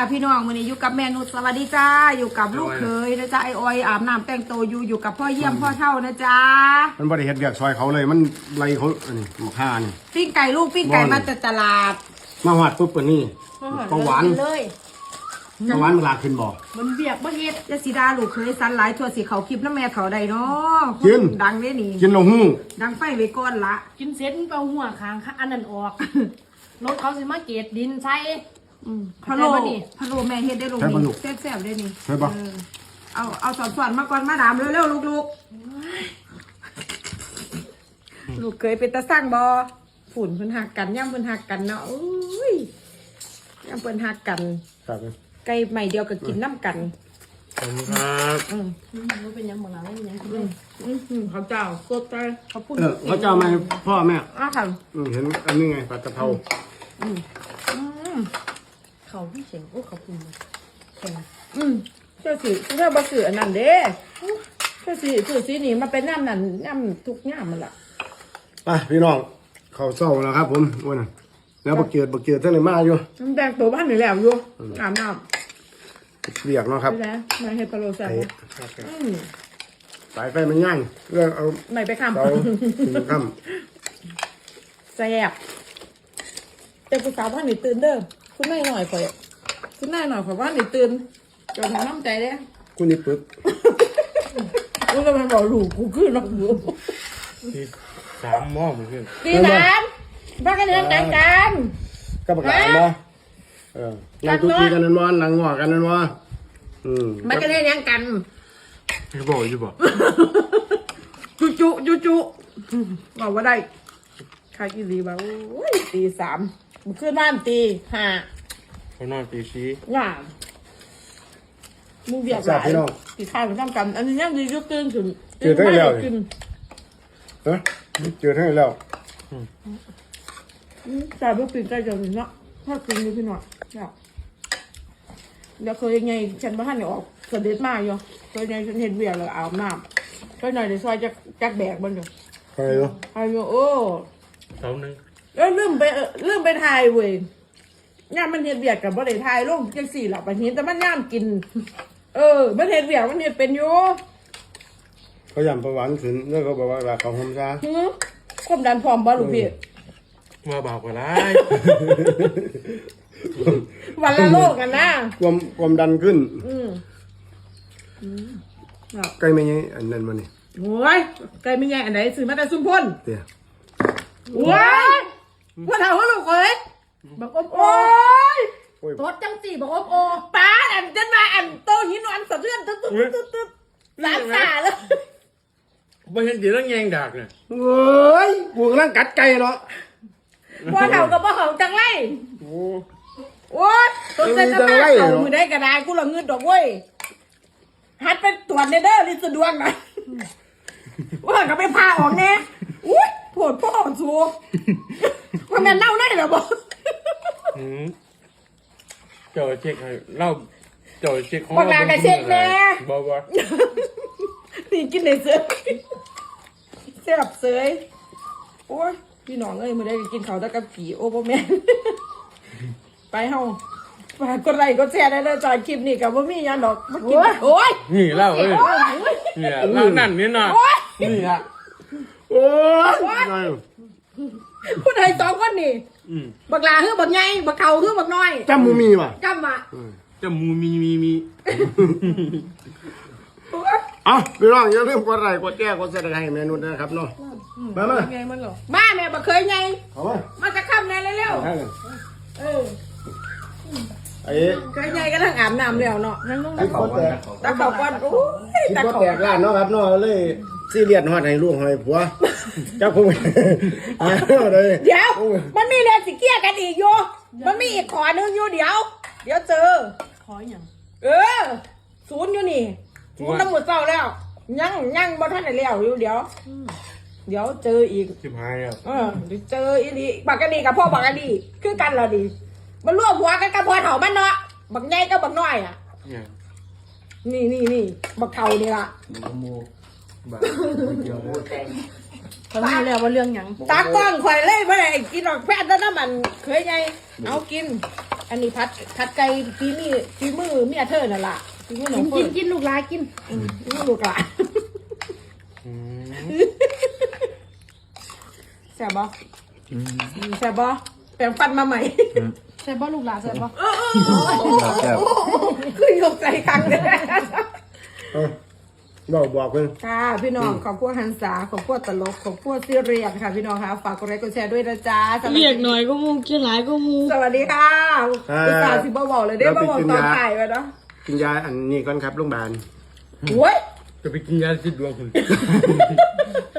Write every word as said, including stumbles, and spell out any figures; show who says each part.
Speaker 1: พี่น้องวันนี้อยู่กับแม่นุชสวัสดีจ้าอยู่กับลูกเคยนะจ๊ะไอออยอาบน้ำแต่งตัวอยู่อยู่กับพ่อเยี่ยมพ่อเท่านะจ๊ะ
Speaker 2: มันบริเหตุเบียกซอยเขาเลยมันไรเขาอันนี้หมกห่านี่
Speaker 1: ปิ้งไก่ลูกปิ้งไก่มาจากตลาด
Speaker 2: มาหอดปุ๊บปนี่ปลาหวาน
Speaker 1: เลย
Speaker 2: ปลาหวานเวลาขึ้นบ่
Speaker 1: มันเบียกบ่เฮ็ดยาสีดาลูกเคยสันหลายทั่วสีเขาคลิปแล้วแม่เขาใดเนาะ
Speaker 2: กิน
Speaker 1: ดังเด้นี่
Speaker 2: กินลงหู
Speaker 1: ดังไฟไว้ก่อนละ
Speaker 3: กินเสร็จเอาหัวค้างอันนั้นออกรถเขาสิมาเกตดินใช่
Speaker 1: พะโล้พะโล้แม่เฮ็ดได้ลงนี่แซ่บๆได้นี่
Speaker 2: ใช่ปะ
Speaker 1: เอาเอาสอนๆมาก่อนมาดามเร็วๆลูกๆลูกเคยเป็นตาสร้างบ่ฝุ่นเพิ่นหักกันย่ำเพิ่นหักกันเนาะอุ้ยย่ำเพิ่นหักกันไก่ใหม่เดียวก็กินน้ำกัน
Speaker 2: ขอบคุณครับ
Speaker 3: อืมมันเป็นยังบ่ล่ะเป็นยัง
Speaker 1: อืมอืมเขาเจ้าสดใจ
Speaker 3: เขาพูด
Speaker 2: เออเขาเจ้ามาพ่อแม่
Speaker 1: อ้าวค่ะ
Speaker 2: เห็นอันนี้ไงปลากระเพรา
Speaker 1: อืมอืม
Speaker 3: เขาพี่เสียงโอ้เขาพูดแข็ง
Speaker 1: อืมเจ้าสิเจ้าบ่ซื้ออันนั้นเด้เจ้าสิซื้อสีนี้มาเป็นน้ำนั่นน้ำทุกน้ำมันล่ะ
Speaker 2: ไปพี่น้องเขาเศร้าแล้วครับผมวันนั้นแล้วบักเกียดบักเกียดท่านเลยมาอยู่
Speaker 1: น้ำแดงตัวบ้านนี่แล้วอยู่อาบน้
Speaker 2: ำเบียกเนาะครับ
Speaker 1: นะมาเฮ็ดพะโล้แซ่บ
Speaker 2: สายไฟมันย่างเรื่องเอา
Speaker 1: ไม่ไปค้ำ
Speaker 2: เสาถึงค่
Speaker 1: ำแซ่บเจ้าผู้สาวบ้านนี่ตื่นเด้อคุณนายหน่อยข่อยคุณนายหน่อยข่อยบ้านนี่ตื่นจนน้ำใจเด้
Speaker 2: คุณนี่ปึ๊บ
Speaker 1: กูจะมาบอกลูกกูขึ้นน้ำหัว
Speaker 2: สามหม้อมันขึ้น
Speaker 1: ตีสามบ้านกันเรื่องแต่งกัน
Speaker 2: ก็ประกาศบ่เออนั่งตุกีกันนั่นวะนั่งงอกันนั่นวะอืม
Speaker 1: บ้านกันเรื่องยังกัน
Speaker 2: จะบอกจะบอก
Speaker 1: จุจุจุจุบอกว่าได้ใครกินดีบ้างโอ้ยตีสามมันขึ้นบ้านตีห้า
Speaker 2: เขานอนตีสี่
Speaker 1: ย่ามึงเบียดหลายตีข้าวไปทำกันอันนี้ยังดียุตื่นถึง
Speaker 2: เจอได้แล้วเออเจอได้แล้ว
Speaker 1: ใส่เพื่อปีนใจจังเลยเนาะถ้าปีนดูพี่หน่อยเนี่ยเดี๋ยวเคยยังไงฉันบ้านเนี่ยออกเสด็จมาอยู่เคยยังฉันเห็นเบียร์เลยอาบน้ำเคยหน่อยเดี๋ยวซอยจะจักแบกมันอยู่
Speaker 2: ใครเนาะ
Speaker 1: ใครอยู่โอ้
Speaker 2: เสาหนึ่ง
Speaker 1: เออลืมไปลืมไปถ่ายเว้ยย่ามมันเห็นเบียร์กับบ่ได้ถ่ายลงจังสี่หลับไปเห็นแต่มันย่ามกินเออมันเห็นเบียร์มันเห็นเป็นอยู่
Speaker 2: เขายำประวันขึ้นแล้วเขาบอกว่าเขาหอมซา
Speaker 1: ความดันพร้อมบ่ลูกพี่
Speaker 2: มาบอกว่าไร
Speaker 1: วันละโลกกันนะ
Speaker 2: ความความดันขึ้น
Speaker 1: อืม
Speaker 2: ใกล้ไม่ยังอันนั้นมานี่
Speaker 1: โอ้ยใกล้ไม่ยังอันไหนสื่อมาแต่ซุ่มพ่น
Speaker 2: เดี๋ยว
Speaker 1: โอ้ยพ่อเท่าพ่อลูกเอ้ยบอกอมโอ้ย
Speaker 3: รถจังสี่บอกอมโอ
Speaker 1: ป้าอันจันมาอันโตหินอันสะเทือนตึ๊ดตึ๊ดตึ๊ดตึ๊ดหลานสาเลย
Speaker 2: ไม่เห็นจีต้องแยงดากเนี่ยเฮ้ยกูกำลังกัดไก่เนาะ
Speaker 1: พ่อเท่ากับพ่อเท่าจังไรโอ้โอ้ยตัวเส้นจะมาเอามือได้กระดาษกูละเงินดอกเว้ยฮัดเป็นตรวจในเด้อลิสดวงหน่อยว่าก็ไปพาออกแน่อุ้ยโผดพ่อสูว่าแม่เน่าได้หรอบอก
Speaker 2: เจ้าเช็คให้เล่าเจ้าเช็คของ
Speaker 1: เราเป็นเช็คแน่
Speaker 2: บอกว่า
Speaker 1: นี่กินในเสือเสียบเสยโอ้ยพี่น้องเอ้ยมาได้กินเขาตะกับผีโอ้พ่อแม่ไปเฮาฝากกดไลค์กดแชร์ได้เลยจอยคลิปนี่กับว่ามียันดอกมากินโอ้ย
Speaker 2: นี่เล่าเอ้ยเนี่ยเล่านั่นนี่น่ะนี่ฮะโอ้ย
Speaker 1: ผู้ใดสองคนนี่บักลาคือบักใหญ่บักเขาคือบักน้อย
Speaker 2: จำมูมีว่ะ
Speaker 1: จำอ่ะ
Speaker 2: จำมูมีมีมีอ่ะพี่น้องอย่าลืมกดไลค์กดแชร์กดซับสไครบ์เมนูนะครับเนาะมามา
Speaker 1: มาแม่บักเคยไงมาจะข้ามแน่เร็วๆเออ
Speaker 2: ไอ้
Speaker 1: เคยไงก็ทั้งอาบน้ำแล้วเนาะนั่งลงตะเขาตะเขาก้อนโอ้ย
Speaker 2: ตะเขาแตกร้านเนาะครับเนาะเลยซีเรียสฮอดให้ลูกให้ผัวเจ้าคง
Speaker 1: เดี๋ยวมันมีเรื่องสิเกี้ยกันอีกอยู่มันมีอีกขอนึงอยู่เดี๋ยวเดี๋ยวเจอ
Speaker 3: ขออย่าง
Speaker 1: เออศูนย์อยู่นี่ศูนย์ตำรวจเจ้าแล้วยังยังบ่ทันได้แล้วอยู่เดี๋ยวเดี๋ยวเจออีก
Speaker 2: สิบห้าอ่ะ
Speaker 1: เออเจออีนี่บักกะดีกับพ่อบักกะดีคือกันละดีมันร่วมหัวกันกับพ่อเฒ่ามันเนาะบักใหญ่กับบักน้อยอ่ะนี่นี่นี่บักเฒ่านี่ล่ะ
Speaker 2: บ้าเดียวเลย
Speaker 3: เขารู้แล้วว่าเรื่องหยัง
Speaker 1: ตากล้องข่อยเลยบ่ได้กินดอกแพทย์แล้วน้ำมันเคยไงเอากิน อันนี้พัดพัดไก่ฝีมือฝีมือเมียเธอนั่นล่ะฝีมือหนู
Speaker 3: กิน
Speaker 1: เฟิ
Speaker 3: กิ
Speaker 1: ร์
Speaker 3: น
Speaker 1: น
Speaker 3: กินลูกหลานกิน
Speaker 1: ฝีมือลูกหลาน
Speaker 2: อืม
Speaker 1: แซ่บบ่แซ่บบ่แปรงฟันมาใหม่
Speaker 3: ใช่บ่ลูกหลานใช่บ่
Speaker 2: แซ่บ
Speaker 1: ขึ้นยกใจครั้งเลย
Speaker 2: บอกบอกเลย
Speaker 1: ค่ะพี่น้องขอบคุณฮันษาขอบคุณตลกขอบคุณซีเรียสค่ะพี่น้องค่ะฝากกดไลค์กดแชร์ด้วยนะจ๊ะสวัสดี
Speaker 3: เรียกหน่อยก็มูกินหลายก็มู
Speaker 1: สวัสดีค่ะอุตส่าห์สิบ่บอกเลยได้บ่บอกตอนถ่ายไปเนาะ
Speaker 4: กินยาอันนี้ก่อนครับโรงพยาบาล
Speaker 1: โอ้ย
Speaker 2: จะไปกินยาสิดวงคุณ